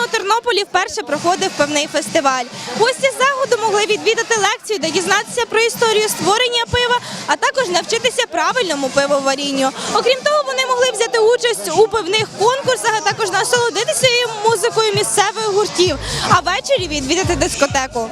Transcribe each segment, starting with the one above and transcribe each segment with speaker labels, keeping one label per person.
Speaker 1: у Тернополі вперше проходив пивний фестиваль. Гості заходу могли відвідати лекцію, де дізнатися про історію створення пива, а також навчитися правильному пивоварінню. Окрім того, вони могли взяти участь у пивних конкурсах, а також насолодитися музикою місцевих гуртів, а ввечері відвідати дискотеку.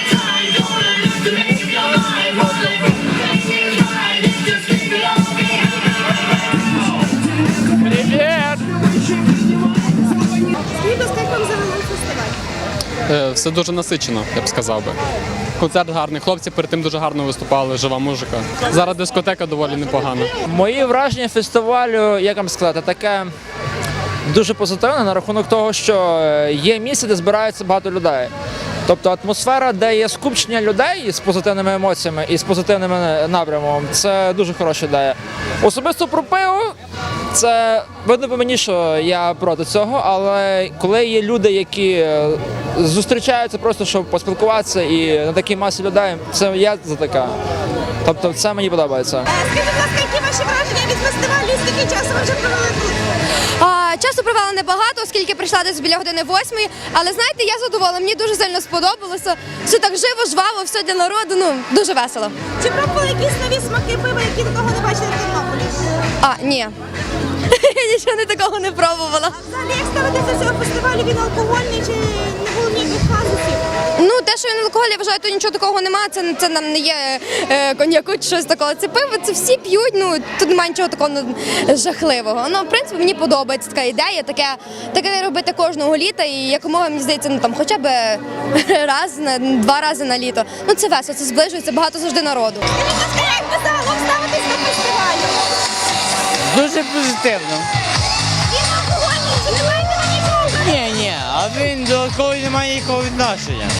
Speaker 2: Все дуже насичено, я б сказав би. Концерт гарний, хлопці перед тим дуже гарно виступали, жива музика. Зараз дискотека доволі непогана.
Speaker 3: Мої враження фестивалю, як вам сказати, таке дуже позитивне на рахунок того, що є місце, де збираються багато людей. Тобто атмосфера, де є скупчення людей з позитивними емоціями і з позитивним напрямом, це дуже хороша ідея. Особисто про пиво, це видно по мені, що я проти цього, але коли є люди, які зустрічаються просто, щоб поспілкуватися і на такій масі людей, це я за таке. Тобто це мені подобається.
Speaker 1: Скажіть, будь ласка, які ваші враження від фестивалю і скільки часу ви вже провели тут?
Speaker 4: Часу провела небагато, оскільки прийшла десь біля години 8, але знаєте, я задоволена, мені дуже сильно сподобалося. Все так живо, жваво, все для народу, дуже весело.
Speaker 1: Чи пробували якісь нові смаки пива, які такого не бачили в Тернополі?
Speaker 4: Ні. Нічого не такого не пробувала.
Speaker 1: Взагалі, як ставитися до цього фестивалю, він алкогольний чи не було ніяких казусів?
Speaker 4: Ну, те, що він алкоголь, я вважаю, то нічого такого немає, це нам не є коньяку чи щось такого. Це пиво, це всі п'ють, тут немає нічого такого жахливого. В принципі, мені подобається така ідея, таке робити кожного літа і якомога, мені здається, хоча б два рази на літо. Це весело, це зближується, багато завжди народу.
Speaker 1: Скажіть, будь ласка, як ви загалом ставитесь до фестивалю?
Speaker 5: Дуже позитивно.
Speaker 1: Він алкогольний, чи не маєте на нічого?
Speaker 5: Ні, а він до алкоголю не має ніякого відношення.